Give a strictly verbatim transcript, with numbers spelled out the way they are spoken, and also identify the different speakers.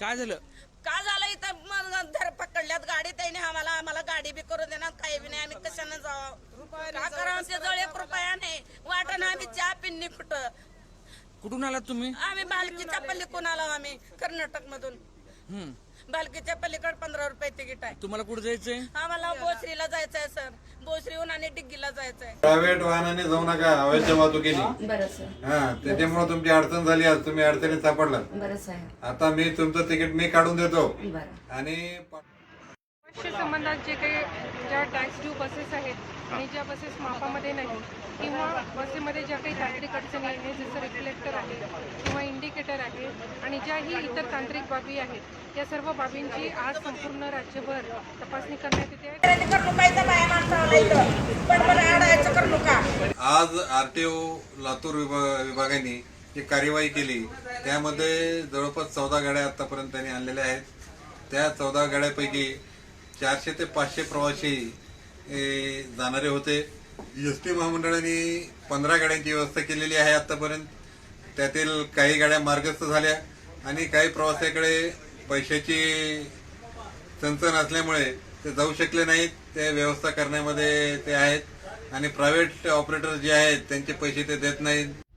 Speaker 1: काय झालं?
Speaker 2: का झालं इथं मग धर पकडल्यात गाडी त्याने आम्हाला आम्हाला गाडी बी करू देणार काही बी नाही. आम्ही कशाने जावं का करा आमच्या जवळ एक रुपया नाही वाटण आम्ही चहा पिन्नी कुठं.
Speaker 1: कुठून आलात तुम्ही?
Speaker 2: आम्ही बालकीच्या पल्लीकडून आलो आम्ही कर्नाटक मधून.
Speaker 1: हम्म.
Speaker 2: बालकीच्या पल्लीकडे पंधरा रुपये तिकीट आहे.
Speaker 1: तुम्हाला कुठे जायचंय?
Speaker 2: आम्हाला बोसरीला जायचंय सर. बोसरीहून आणि डिग्गीला जायचंय.
Speaker 3: प्रायव्हेट वाहनाने जाऊ नका अवैध वाहतुकीने.
Speaker 4: बरं सर.
Speaker 3: हा त्याच्यामुळे तुमची अडचण झाली आज तुम्ही अडचणीत सापडलात.
Speaker 4: बरं साहेब.
Speaker 3: आता मी तुमचं तिकीट मी काढून देतो
Speaker 4: बरं.
Speaker 3: आणि
Speaker 5: प्रवाशी संबंधात जे काही ज्या टॅक्स ड्यू बसेस आहेत आणि ज्या बसेस मापामध्ये नाही किंवा बसेमध्ये ज्या काही तांत्रिक अडचणी आहेत जसं रिफ्लेक्टर आहे किंवा इंडिकेटर आहे आणि ज्याही इतर तांत्रिक बाबी आहेत या सर्व बाबींची आज संपूर्ण राज्यभर तपासणी करण्यात येते आहे.
Speaker 3: आज आरटीओ लातूर विभाग विभागाने जी कार्यवाही केली त्यामध्ये जवळपास चौदा गाड्या आतापर्यंत त्यांनी आणलेल्या आहेत. त्या चौदा गाड्यापैकी चारशे ते पाचशे प्रवासी जाणारे होते. एस टी महामंडळाने पंधरा गाड्यांची व्यवस्था केलेली आहे आतापर्यंत. त्यातील काही गाड्या मार्गस्थ झाल्या आणि काही प्रवाशाकडे पैशाची चणचण असल्यामुळे ते जाऊ शकले नाहीत. ते व्यवस्था करण्यामध्ये ते आहेत आणि प्रायव्हेट ऑपरेटर जे आहेत त्यांचे पैसे ते देत नाहीत.